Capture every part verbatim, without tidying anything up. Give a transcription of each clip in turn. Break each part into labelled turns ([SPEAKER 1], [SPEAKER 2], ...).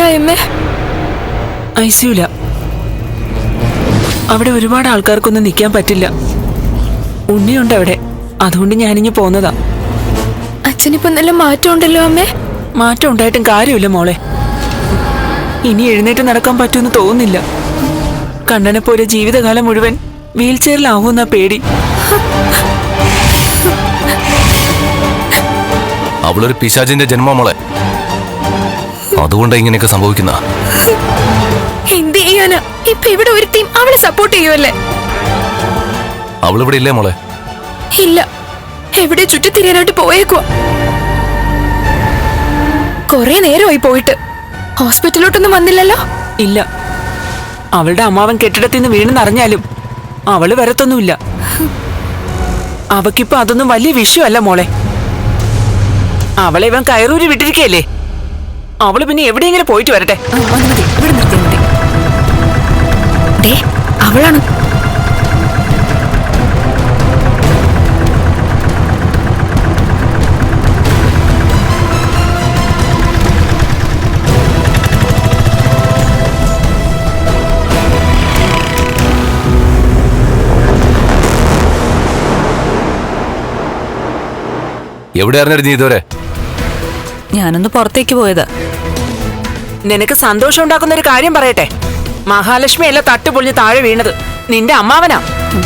[SPEAKER 1] എവിടായമ്മേ?
[SPEAKER 2] I സിയുല. അവിടെ ഒരുപാട് ആൾക്കാർക്കൊന്നും നിൽക്കാൻ പറ്റില്ല. ഉണ്ണിയുണ്ട് അവിടെ, അതുകൊണ്ട് ഞാനിഞ്ഞ് പോന്നതാ.
[SPEAKER 1] അച്ഛനിപ്പോ നല്ല മാറ്റം ഉണ്ടല്ലോ അമ്മേ.
[SPEAKER 2] മാറ്റം ഉണ്ടായിട്ടും കാര്യമില്ല മോളെ. ഇനി എഴുന്നേറ്റ് നടക്കാൻ പറ്റുമെന്ന് തോന്നുന്നില്ല. കണ്ണനെ പോലെ ജീവിതകാലം മുഴുവൻ വീൽ ചെയറിലാവുന്ന പേടി.
[SPEAKER 3] അവളൊരു പിശാചിന്റെ ജന്മ മോളെ, അതുകൊണ്ട് ഇങ്ങനെയൊക്കെ സംഭവിക്കുന്ന.
[SPEAKER 1] എന്ത് ചെയ്യാനാ? ഇപ്പൊ ഇവിടെ ഒരു ടീം അവളെ സപ്പോർട്ട് ചെയ്യുമല്ലേ?
[SPEAKER 3] അവളിവിടെ ഇല്ലേ മോളെ?
[SPEAKER 1] ഇല്ല, എവിടെ ചുറ്റിത്തിരിയാനായിട്ട് പോയേക്കുവാ. കൊറേ നേരമായി പോയിട്ട്. ഹോസ്പിറ്റലിലോട്ടൊന്നും വന്നില്ലല്ലോ?
[SPEAKER 2] ഇല്ല, അവളുടെ അമ്മാവൻ കെട്ടിടത്തിൽ നിന്ന് വീണെന്നറിഞ്ഞാലും അവള് വരത്തൊന്നുമില്ല. അവക്കിപ്പോ അതൊന്നും വലിയ വിഷയമല്ല മോളെ. അവളെ ഇവൻ കയറൂരി വിട്ടിരിക്കല്ലേ. അവള് പിന്നെ എവിടെയെങ്കിലും പോയിട്ട് വരട്ടെ.
[SPEAKER 1] അവളാണ്.
[SPEAKER 3] എവിടെ അറിഞ്ഞിരുന്നു ഇതുവരെ?
[SPEAKER 4] ഞാനൊന്ന് പുറത്തേക്ക് പോയതാ.
[SPEAKER 2] നിനക്ക് സന്തോഷം ഉണ്ടാക്കുന്ന ഒരു കാര്യം പറയട്ടെ. മഹാലക്ഷ്മി അല്ല തട്ടുപൊളിഞ്ഞ് താഴെ വീണത്, നിന്റെ അമ്മാവനാ.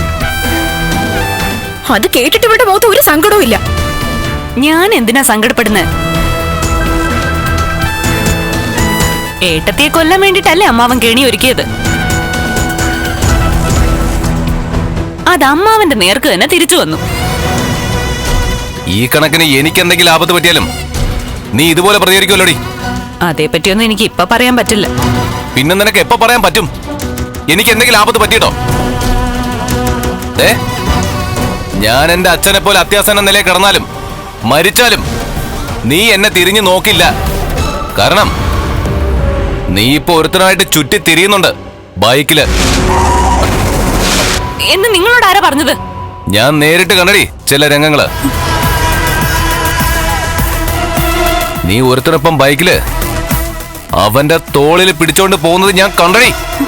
[SPEAKER 1] അത് കേട്ടിട്ട് ഇവിടെ മുഖത്ത് ഒരു സങ്കടവും ഇല്ല.
[SPEAKER 4] ഞാൻ എന്തിനാ സങ്കടപ്പെടുന്നത്? ഏട്ടത്തിയെ കൊല്ലാൻ വേണ്ടിട്ടല്ലേ അമ്മാവൻ കെണി ഒരുക്കിയത്. അത് അമ്മാവന്റെ നേർക്ക് തന്നെ തിരിച്ചു വന്നു.
[SPEAKER 3] ഈ കണക്കിന് എനിക്ക് എന്തെങ്കിലും ആപത്ത് പറ്റിയാലും നീ ഇതുപോലെ പ്രതികരിക്കുമല്ലോടി.
[SPEAKER 4] അതേപറ്റിയൊന്നും എനിക്ക് ഇപ്പൊ പറയാൻ പറ്റില്ല.
[SPEAKER 3] പിന്നെ നിനക്ക് എപ്പോ പറയാൻ പറ്റും? എനിക്ക് എന്തെങ്കിലും ആപത്ത് പറ്റിയിട്ടോ? ഏ ഞാൻ എന്റെ അച്ഛനെ പോലെ അത്യാസന്ന നിലയിൽ കിടന്നാലും മരിച്ചാലും നീ എന്നെ തിരിഞ്ഞു നോക്കില്ല. കാരണം നീ ഇപ്പൊ ഒരുത്തനായിട്ട് ചുറ്റി തിരിയുന്നുണ്ട് ബൈക്കില്.
[SPEAKER 4] എന്ന് നിങ്ങളോട് ആരാ പറഞ്ഞത്?
[SPEAKER 3] ഞാൻ നേരിട്ട് കണ്ടടി ചില രംഗങ്ങള്. നീ ഒരുത്തനൊപ്പം ബൈക്കില് അവന്റെ തോളിൽ പിടിച്ചോണ്ട് പോകുന്നത് ഞാൻ കണ്ടടി.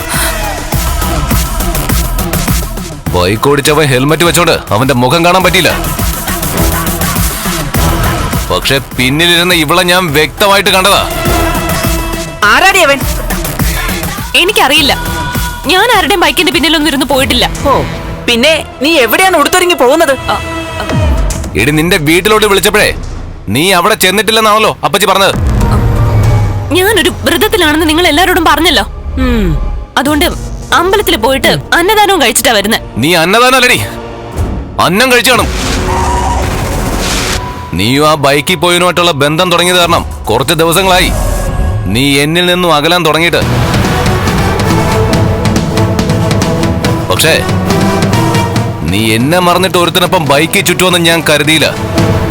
[SPEAKER 3] ബൈക്ക് ഓടിച്ചവൻ ഹെൽമെറ്റ് വെച്ചോണ്ട് അവന്റെ മുഖം കാണാൻ പറ്റിയില്ല. പക്ഷെ പിന്നിലിരുന്ന ഇവളെ ഞാൻ വ്യക്തമായിട്ട് കണ്ടതാ.
[SPEAKER 2] ആരാടി അവൻ?
[SPEAKER 4] എനിക്കറിയില്ല. ഞാൻ ആരുടെയും ബൈക്കിന്റെ പിന്നിലൊന്നും ഇരുന്ന് പോയിട്ടില്ല.
[SPEAKER 2] ഓ, പിന്നെ നീ എവിടെയാണ് ഉടുത്തൊരുങ്ങി പോകുന്നത്?
[SPEAKER 3] എടി നിന്റെ വീട്ടിലോട്ട് വിളിച്ചപ്പോഴേ നീ അവിടെ ചെന്നിട്ടില്ലെന്നാണല്ലോ അപ്പച്ചി പറഞ്ഞത്.
[SPEAKER 4] ഞാനൊരു വ്രതത്തിലാണെന്ന് നിങ്ങൾ എല്ലാരോടും പറഞ്ഞല്ലോ. അതുകൊണ്ട് അമ്പലത്തിൽ പോയിട്ട് അന്നദാനവും കഴിച്ചിട്ടാ വരുന്നത്.
[SPEAKER 3] നീ അന്നദാനം അല്ലടി, അന്നം കഴിച്ചു കാണും. നീയും ആ ബൈക്കിൽ പോയതിനുമായിട്ടുള്ള ബന്ധം തുടങ്ങിയത് കാരണം കുറച്ച് ദിവസങ്ങളായി നീ എന്നിൽ നിന്നും അകലാൻ തുടങ്ങിയിട്ട്. പക്ഷേ നീ എന്നെ മറന്നിട്ട് ഒരുത്തിനൊപ്പം ബൈക്കിൽ ചുറ്റുമെന്ന് ഞാൻ കരുതിയില്ല.